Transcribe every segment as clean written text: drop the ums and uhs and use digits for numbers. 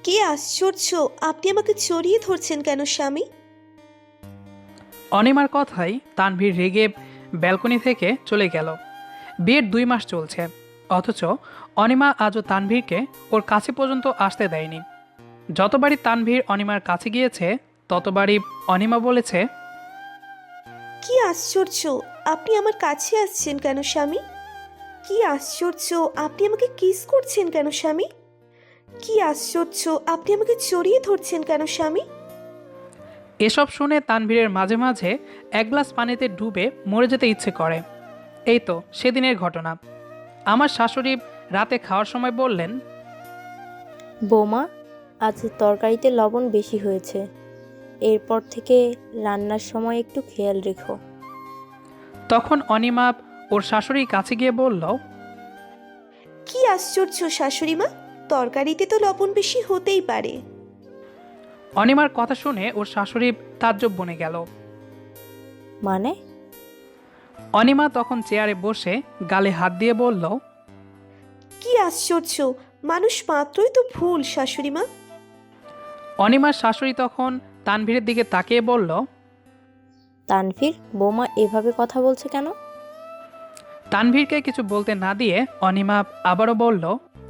কি আশ্চর্য! আপনি আমাকে জড়িয়ে ধরছেন কেন স্বামী? অনিমার কথাই তানভীর রেগে ব্যালকনি থেকে চলে গেল। বিয়ের 2 মাস চলছে, অথচ অনিমা আজও তানভীরকে ওর কাছে পর্যন্ত আসতে দেয়নি। যতবারই তানভীর অনিমার কাছে গিয়েছে ততবারই অনিমা বলেছে, কি আশ্চর্য! আপনি আমার কাছে আসছেন কেন স্বামী? কি আশ্চর্য! আপনি আমাকে কিস করছেন কেন স্বামী? কি আশ্চর্য! আপনি আমাকে জড়িয়ে ধরছেন কেন স্বামী? এসব শুনে তানভীরের মাঝে মাঝে এক গ্লাস পানিতে ডুবে মরে যেতে ইচ্ছে করে। এই তো সেদিনের ঘটনা। আমার শাশুড়ি রাতে খাওয়ার সময় বললেন, বৌমা, আজ তরকারিতে লবণ বেশি হয়েছে। এরপর থেকে রান্নার সময় একটু খেয়াল রেখো। তখন অনিমা ওর শাশুড়ির কাছে গিয়ে বলল, কি আশ্চর্য শাশুড়ি মা! তরকারিতে তো লবণ বেশি হতেই পারে। অনিমার কথা শুনে ওর শাশুড়ি তাজ্জব বনে গেল। মানে? অনিমা তখন চেয়ারে বসে গালে হাত দিয়ে বলল, কি আশ্চর্য! মানুষ মাত্রই তো ভুল শাশুড়ি মা। অনিমার শাশুড়ি তখন তানভীরের দিকে তাকিয়ে বলল, তানভীর, বৌমা এভাবে কথা বলছে কেন? তানভীরকে কিছু বলতে না দিয়ে অনিমা আবারও বলল,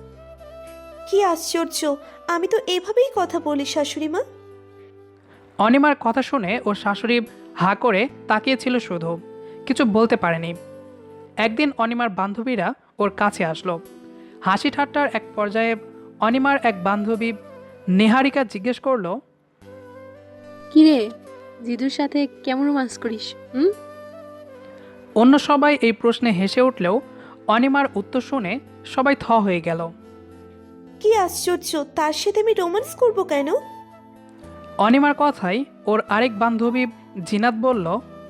কি আশ্চর্য! আমি তো এভাবেই কথা বলি শাশুড়ি মা। অনিমার কথা শুনে ওর শাশুড়ি হা করে তাকিয়েছিল, শুধু কিছু বলতে পারেনি। একদিন অনিমার বান্ধবীরা ওর কাছে আসলো। হাসি ঠাট্টার এক পর্যায়ে অনিমার এক বান্ধবী নেহারিকা জিজ্ঞেস করলো, কিরে, জিদুর সাথে কেমন রোমান্স করিস? অন্য সবাই এই প্রশ্নে হেসে উঠলেও অনিমার উত্তর শুনে সবাই থ হয়ে গেল। কি আশ্চর্য! তার সাথে আমি রোম্যান্স করব কেন? অনিমার কথাই ওর আরেক বান্ধবী জিনাত বলল,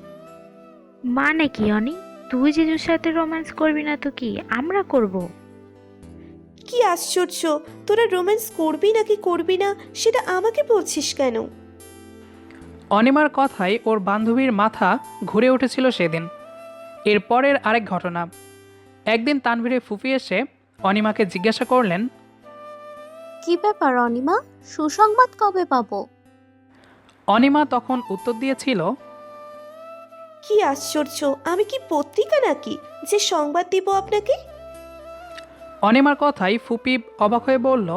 মানে কি অনি? তুই জিজুর সাথে রোম্যান্স করবি না তো কি আমরা করব? কি আশ্চর্য! তোরা রোম্যান্স করবি নাকি করবি না সেটা আমাকে বলছিস কেন? অনিমার কথাই ওর বান্ধবীর মাথা ঘুরে উঠেছিল সেদিন। এরপরের আরেক ঘটনা। একদিন তানভীরে ফুফি এসে অনিমাকে জিজ্ঞাসা করলেন, কি ব্যাপার অনিমা, সুসংবাদ কবে পাবো? অনিমা তখন উত্তর দিয়েছিল, কি আশ্চর্য! আমি কি পত্রিকা নাকি যে সংবাদ দিব আপনাকে? অনিমার কথাই ফুপি অবাক হয়ে বলল,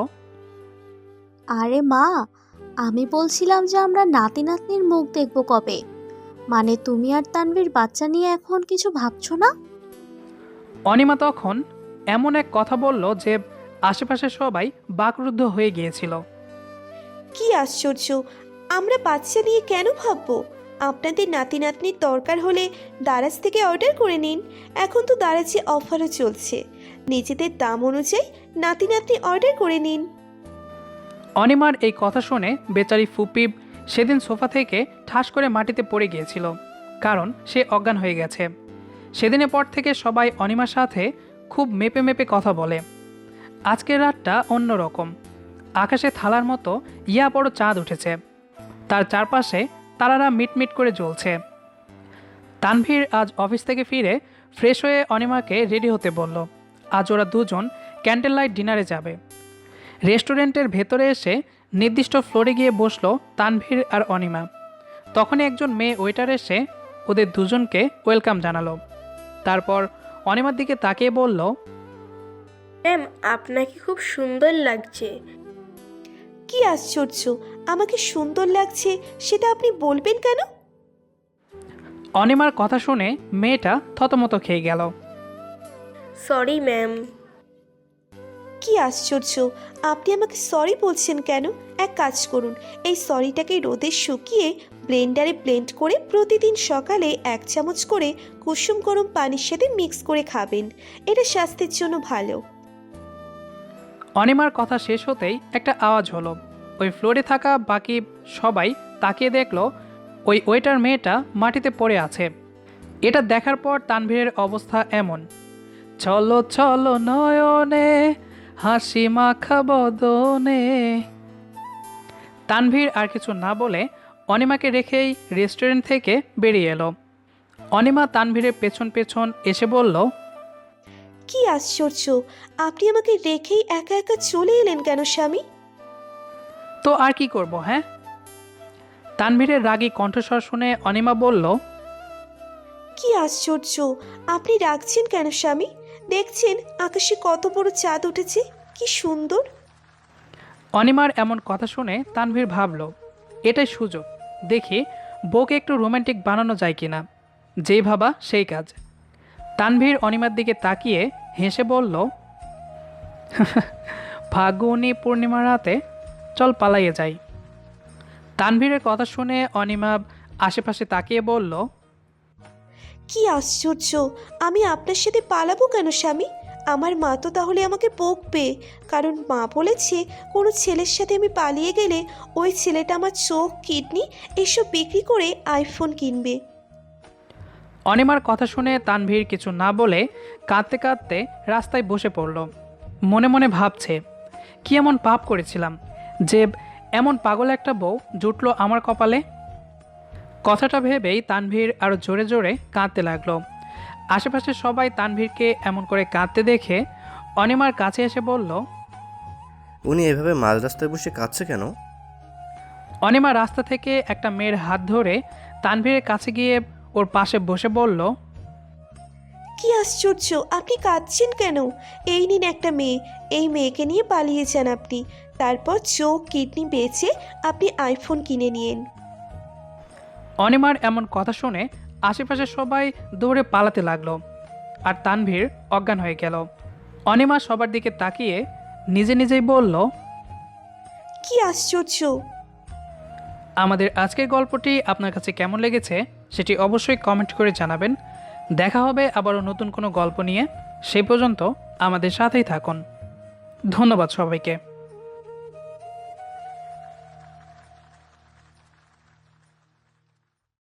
আরে মা, আমি বলছিলাম যে আমরা নাতি নাতনির মুখ দেখবো কবে। মানে তুমি আর তানভীর বাচ্চা নিয়ে এখন কিছু ভাবছো না? অনিমা তখন এমন এক কথা বলল যে আশেপাশে সবাই বাকরুদ্ধ হয়ে গিয়েছিল। কি আশ্চর্য! আমরা বাচ্চা নিয়ে কেন ভাববো? আপনাদের নাতি নাতনির দরকার হলে দারাজ থেকে অর্ডার করে নিন। এখন তো দারাজে অফারও চলছে। নিজেদের দাম অনুযায়ী নাতি নাতনি অর্ডার করে নিন। অনিমার এই কথা শুনে বেচারি ফুপি সেদিন সোফা থেকে ঠাস করে মাটিতে পড়ে গিয়েছিল, কারণ সে অজ্ঞান হয়ে গেছে। সেদিনের পর থেকে সবাই অনিমার সাথে খুব মেপে মেপে কথা বলে। আজকের রাতটা অন্যরকম। আকাশে থালার মতো ইয়া বড় চাঁদ উঠেছে, তার চারপাশে তারারা মিটমিট করে জ্বলছে। তানভীর আজ অফিস থেকে ফিরে ফ্রেশ হয়ে অনিমাকে রেডি হতে বলল। আজ ওরা দুজন ক্যান্ডেল লাইট ডিনারে যাবে। রেস্টুরেন্টের ভেতরে এসে নির্দিষ্ট ফ্লোরে গিয়ে বসলো তানভীর আর অনিমা। তখনই একজন মেয়ে ওয়েটার এসে ওদের দুজনকে ওয়েলকাম জানালো। তারপর অনিমার দিকে তাকিয়ে বলল, ম্যাম, আপনাকে খুব সুন্দর লাগছে। কি আশ্চর্য! আমাকে সুন্দর লাগছে সেটা আপনি বলবেন কেন? অনিমার কথা শুনে মেয়েটা থতমত খেয়ে গেল। Sorry ma'am. কি আশ্চর্য! আপনি আমাকে সরি বলছেন কেন? এক কাজ করুন, এই সরিটাকে রোদে শুকিয়ে ব্লেন্ডারে ব্লেন্ড করে প্রতিদিন সকালে 1 চামচ করে কুসুম গরম পানির সাথে মিক্স করে খাবেন। এটা স্বাস্থ্যের জন্য ভালো। অনিমার কথা শেষ হতেই একটা আওয়াজ হলো। ওই ফ্লোরে থাকা বাকি সবাই তাকিয়ে দেখলো ওই ওয়েটার মেয়েটা মাটিতে পড়ে আছে। এটা দেখার পর তানভীরের অবস্থা এমন, চলো চলো নয়নে হাসি মাখা বদনে। তানভীর আর কিছু না বলে অনিমাকে রেখেই রেস্টুরেন্ট থেকে বেরিয়ে এলো। অনিমা তানভীরের পেছন পেছন এসে বলল, কি আশ্চর্য! আপনি আমাকে রেখেই একা একা চলে এলেন কেন স্বামী? তো আর কি করব হ্যাঁ? তানভীরের রাগী কণ্ঠস্বর শুনে অনিমা বলল, কি আশ্চর্য, আপনি রাখছেন কেন স্বামী? দেখছেন আকাশে কত বড় চাঁদ উঠেছে, কি সুন্দর। অনিমার এমন কথা শুনে তানভীর ভাবল এটাই সুযোগ, দেখি বউকে একটু রোমান্টিক বানানো যায় কিনা। যেই ভাবা সেই কাজ। তানভীর অনিমার দিকে তাকিয়ে হেসে বলল, ফাল্গুনী পূর্ণিমা রাতে চল পালাইয়ে যাই। তানভীরের কথা শুনে অনিমা আশেপাশে তাকিয়ে বলল, কি আশ্চর্য, আমি আপনার সাথে পালাবো কেন স্বামী? আমার মা তো তাহলে আমাকে বকবে, কারণ মা বলেছে কোনো ছেলের সাথে আমি পালিয়ে গেলে ওই ছেলেটা আমার চোখ, কিডনি এসব বিক্রি করে আইফোন কিনবে। অনিমার কথা শুনে তানভীর কিছু না বলে কাঁদতে কাঁদতে রাস্তায় বসে পড়ল। মনে মনে ভাবছে, কি এমন পাপ করেছিলাম যে এমন পাগল একটা বউ জুটলো আমার কপালে। কথাটা ভেবেই তানভীর আরও জোরে জোরে কাঁদতে লাগলো। আশেপাশে সবাই তানভীরকে এমন করে কাঁদতে দেখে অনিমার কাছে এসে বলল, উনি এভাবে মাঝ রাস্তায় বসে কাঁদছে কেন? অনিমা রাস্তা থেকে একটা মেয়ের হাত ধরে তানভীরের কাছে গিয়ে ওর পাশে বসে বলল, কি আশ্চর্য, আপনি কাঁদছেন কেন? এই নিন একটা মেয়ে, এই মেয়েকে নিয়ে পালিয়ে যান আপনি, তারপর চোখ, কিডনি বেচে আপনি আইফোন কিনে নিন। অনিমার এমন কথা শুনে আশেপাশে সবাই দৌড়ে পালাতে লাগলো আর তানভীর অজ্ঞান হয়ে গেল। অনিমা সবার দিকে তাকিয়ে নিজে নিজেই বলল, কি আশ্চর্য। আমাদের আজকের গল্পটি আপনার কাছে কেমন লেগেছে সেটি অবশ্যই কমেন্ট করে জানাবেন। দেখা হবে আবারও নতুন কোনো গল্প নিয়ে। সেই পর্যন্ত আমাদের সাথেই থাকুন। ধন্যবাদ সবাইকে।